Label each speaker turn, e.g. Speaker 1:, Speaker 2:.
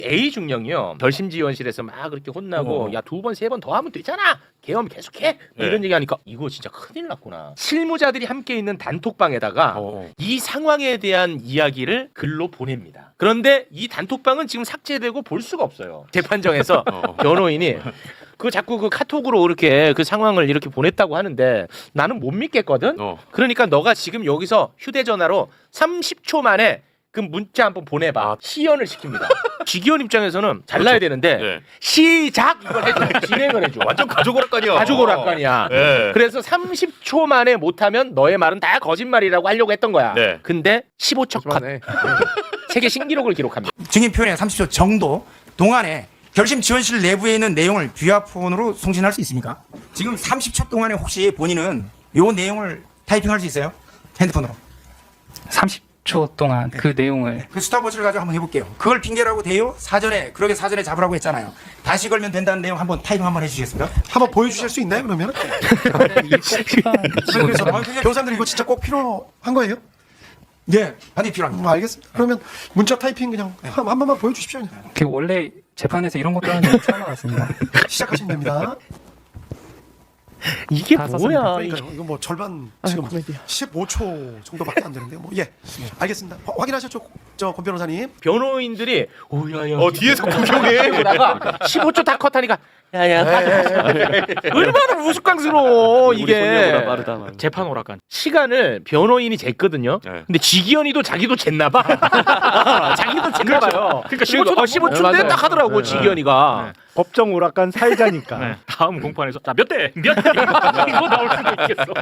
Speaker 1: A 중령이요 결심지원실에서 막 그렇게 혼나고 야 2번 3번 더 하면 되잖아 계엄 계속해 이런 얘기하니까 이거 진짜 큰일 났구나. 실무자들이 함께 있는 단톡방에다가 이 상황에 대한 이야기를 글로 보냅니다. 그런데 이 단톡방은 지금 삭제되고 볼 수가 없어요. 재판정에서 변호인이 그 자꾸 그 카톡으로 이렇게 그 상황을 이렇게 보냈다고 하는데 나는 못 믿겠거든. 그러니까 너가 지금 여기서 휴대전화로 30초 만에 그 문자 한번 보내봐. 시연을 시킵니다. 지기현 입장에서는 잘라야 되는데
Speaker 2: 네.
Speaker 1: 시작 이걸 해줘. 진행을 해줘.
Speaker 2: 완전 가족 오락관이야.
Speaker 1: 가족 오락관이야.
Speaker 2: 네.
Speaker 1: 그래서 30초 만에 못하면 너의 말은 다 거짓말이라고 하려고 했던 거야.
Speaker 2: 네.
Speaker 1: 근데 15초 컷. 세계 신기록을 기록합니다.
Speaker 3: 증인 표현의 30초 정도 동안에 결심 지원실 내부에 있는 내용을 비화폰으로 송신할 수 있습니까? 지금 30초 동안에 혹시 본인은 요 내용을 타이핑할 수 있어요? 핸드폰으로.
Speaker 4: 30초 동안 그 내용을
Speaker 3: 그 스탑워치를 가지고 한번 해볼게요. 그걸 핑계라고 돼요? 사전에 그러게 사전에 잡으라고 했잖아요. 다시 걸면 된다는 내용 한번 타이핑 한번 해주시겠습니까?
Speaker 5: 한번 보여주실 수 있나요 그러면? 그래서 변호사님들 이거 진짜 꼭 필요한 거예요?
Speaker 3: 네, 반드시 필요합니다.
Speaker 5: 알겠습니다. 그러면 문자 타이핑 그냥 한 번만 보여주십시오. 그냥.
Speaker 4: 그 원래 재판에서 이런 것도 하는 건 처음 알았습니다.
Speaker 5: 시작하시면 됩니다.
Speaker 1: 이게
Speaker 4: 다
Speaker 1: 뭐야?
Speaker 5: 그러니까요. 이거 뭐 절반 지금 15초 정도밖에 안 되는데요. 뭐 예, 알겠습니다. 확인하셨죠, 권 변호사님?
Speaker 1: 변호인들이 오야야
Speaker 2: 뒤에서 구경해.
Speaker 1: 그러다가 15초 다 컷하니까 야야 얼마나 우스꽝스러워 이게.
Speaker 6: 재판 오락관.
Speaker 1: 시간을 변호인이 쟀거든요.
Speaker 2: 네.
Speaker 1: 근데 지기현이도 자기도 쟀나봐. 자기도 쟀나봐요.
Speaker 6: 그러니까 15초
Speaker 1: 15초인데 딱 하더라고 지기현이가.
Speaker 7: 법정 오락관 사회자니까.
Speaker 6: 다음 공판에서 자 몇 대? 이거 나올 수도 있겠어.